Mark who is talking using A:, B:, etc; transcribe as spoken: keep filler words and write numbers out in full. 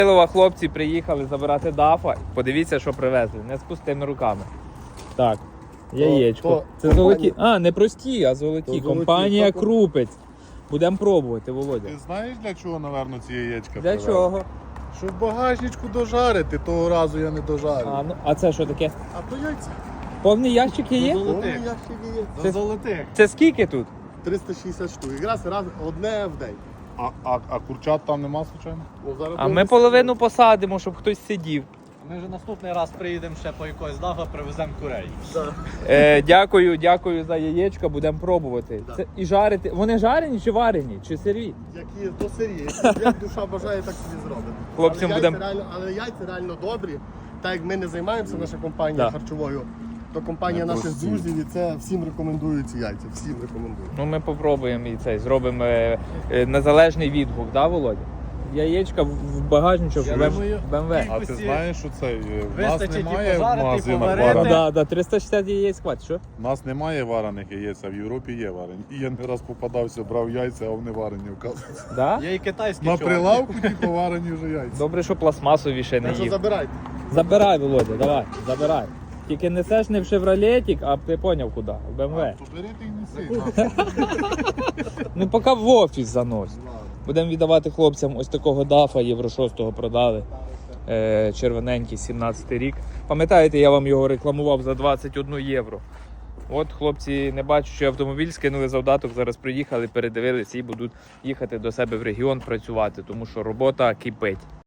A: Хлопці приїхали забирати дафа. Подивіться, що привезли. Не з пустими руками. Так, яєчко.
B: то
A: Це
B: компанія-
A: золоті. А, не прості, а золоті.
B: То золоті,
A: Компанія
B: то-
A: Крупець. Будемо пробувати, Володя.
C: Ти знаєш, для чого, напевно, ці яєчка
A: Для
C: привезли?
A: чого?
B: Щоб в багажничку дожарити, того разу я не дожарив.
A: А, ну, а це що таке?
B: А то яйця.
A: Повний ящик є?
B: Повний ящик є.
A: Це-
D: золотих.
A: Це скільки тут?
B: триста шістдесят штук. Якраз раз одне в день.
C: А, а, а курчат там нема, звичайно?
B: Ну, зараз
A: А
B: будемо
A: ми половину посадимо, щоб хтось сидів.
D: Ми вже наступний раз приїдемо ще по якогось дафа, привеземо курей.
B: Да.
A: Е, дякую, дякую за яєчка, будемо пробувати.
B: Да.
A: Це і жарити. Вони жарені чи варені? Чи сирі?
B: Які до сирі. Як душа бажає, так собі зробимо.
A: Хлопцям
B: але,
A: будем-
B: яйця реально, але яйця реально добрі. Так як ми не займаємося, наша компанія
A: Да.
B: харчовою, то компанія
C: Не
B: наших
C: прості.
B: друзів і це всім рекомендує ці яйця. Всім рекомендує.
A: Ну ми попробуємо і цей, зробимо е, е, незалежний відгук, да, Володя? Яєчка в- в багажничок
D: Я
A: в
D: думаю,
A: Б М В.
C: А ти
D: Кількості
C: знаєш, що це? е, В нас
D: вистачить і
C: немає в
D: пожарити, і
C: магазинах
D: поварити.
A: Ну,
C: варених.
A: да, да, триста шістдесят яєць хватить, що?
C: У нас немає варених яєць, а в Європі є варені. І я не раз попадався, брав яйця, а вони варені, оказується.
A: Да?
D: Є і китайські
C: На
D: чуваки.
C: прилавку типу варені вже яйця.
A: Добре, що пластмасові ще не
B: Так що
A: їв.
B: забирайте.
A: Забирай, Володя, давай, забирай. Тільки несеш не в шевролетик, а ти поняв куди, в Б М В.
C: То бери ти й неси.
A: Ну поки в офіс занось. Будемо віддавати хлопцям ось такого дафа, Євро шостого продали. Е, червоненький, сімнадцятий рік. Пам'ятаєте, я вам його рекламував за двадцять одне євро. От хлопці не бачать, що автомобіль скинули завдаток, зараз приїхали, передивилися і будуть їхати до себе в регіон працювати, тому що робота кипить.